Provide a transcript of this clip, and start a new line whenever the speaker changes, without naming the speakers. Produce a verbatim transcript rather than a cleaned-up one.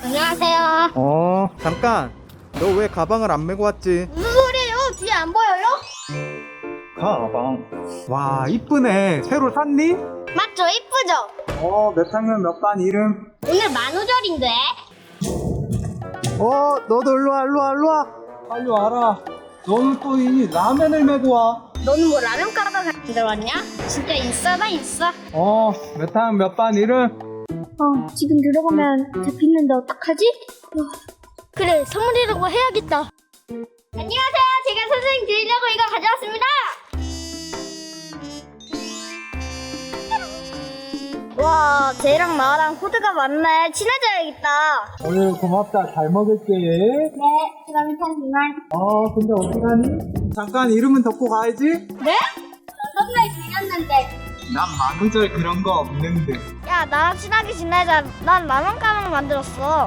안녕하세요.
어, 잠깐. 너 왜 가방을 안 메고 왔지?
무슨 소리예요? 뒤에 안 보여요?
가방. 와, 이쁘네. 새로 샀니?
맞죠? 이쁘죠?
어, 몇 학년 몇 반 이름?
오늘 만우절인데?
어, 너도 일로 와, 일로 와, 일로 와. 빨리 와라. 너는 또 이 라면을 메고 와.
너는 뭐 라면 가방 들어왔냐? 진짜 있어나 있어.
어, 몇 학년 몇 반 이름?
어, 지금 들어가면 잡히는데 어떡하지? 어, 그래, 선물이라고 해야겠다. 안녕하세요. 제가 선생님 드리려고 이거 가져왔습니다. 와, 쟤랑 나랑 코드가 맞네. 친해져야겠다.
오늘 고맙다. 잘 먹을게.
네, 그럼 일단 그만.
어, 근데 어떡하니? 잠깐 이름은 덮고 가야지.
네? 저 선물 드렸는데.
난 만우절 그런 거 없는데.
야, 나랑 친하게 지내자. 난 라면 가방 만들었어.